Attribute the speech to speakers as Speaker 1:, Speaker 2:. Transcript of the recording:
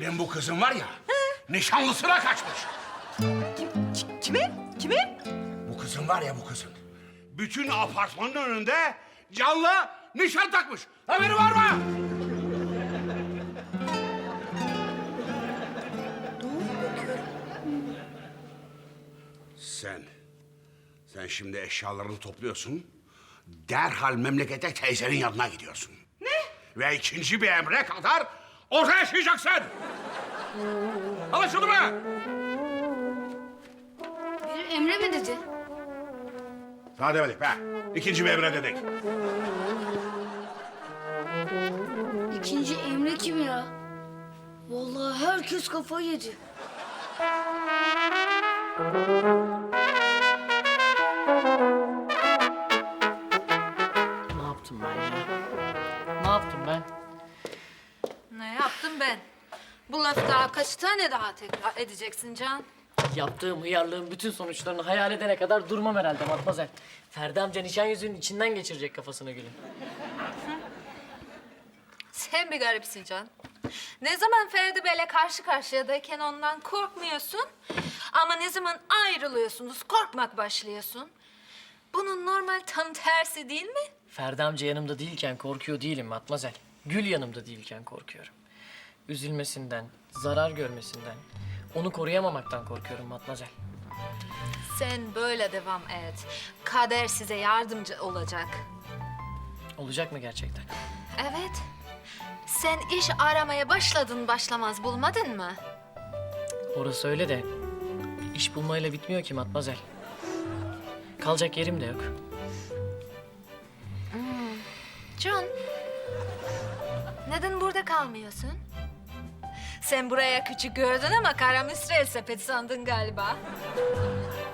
Speaker 1: Senin bu kızın var ya, nişanlısına kaçmış.
Speaker 2: Kime? Kime?
Speaker 1: Bu kızın var ya, bu kızın. Bütün apartmanın önünde canlı nişan takmış. Haberi var mı? Sen şimdi eşyalarını topluyorsun. Derhal memlekete teyzenin yanına gidiyorsun.
Speaker 2: Ne?
Speaker 1: Ve ikinci bir emre kadar orada yaşayacaksın. Anlaşıldı mı?
Speaker 3: Bir Emre mi dedi?
Speaker 1: Sana demedik be. İkinci bir emre dedik.
Speaker 3: İkinci Emre kim ya? Vallahi herkes kafayı yedi.
Speaker 4: Ne yaptım ben ya? Ne yaptım ben?
Speaker 5: Ne yaptım ben? Bu lafı daha kaç tane daha tekrar edeceksin Can?
Speaker 4: Yaptığım hıyarlığın bütün sonuçlarını hayal edene kadar durmam herhalde Matmazel. Ferdi amca nişan yüzüğünün içinden geçirecek kafasına gülüm.
Speaker 5: Sen bir garipsin Can. Ne zaman Ferdi Bey'le karşı karşıyadayken ondan korkmuyorsun. Ama ne zaman ayrılıyorsunuz korkmak başlıyorsun. Bunun normal tam tersi değil mi?
Speaker 4: Ferdi amca yanımda değilken korkuyor değilim Matmazel. Gül yanımda değilken korkuyorum. Üzülmesinden, zarar görmesinden, onu koruyamamaktan korkuyorum Matmazel.
Speaker 5: Sen böyle devam et. Kader size yardımcı olacak.
Speaker 4: Olacak mı gerçekten?
Speaker 5: Evet. Sen iş aramaya başladın başlamaz bulmadın mı?
Speaker 4: Orası öyle de iş bulmayla bitmiyor ki Matmazel. Kalacak yerim de yok.
Speaker 5: John, neden burada kalmıyorsun? Sen buraya küçük gördün ama kara müsrel sepet sandın galiba.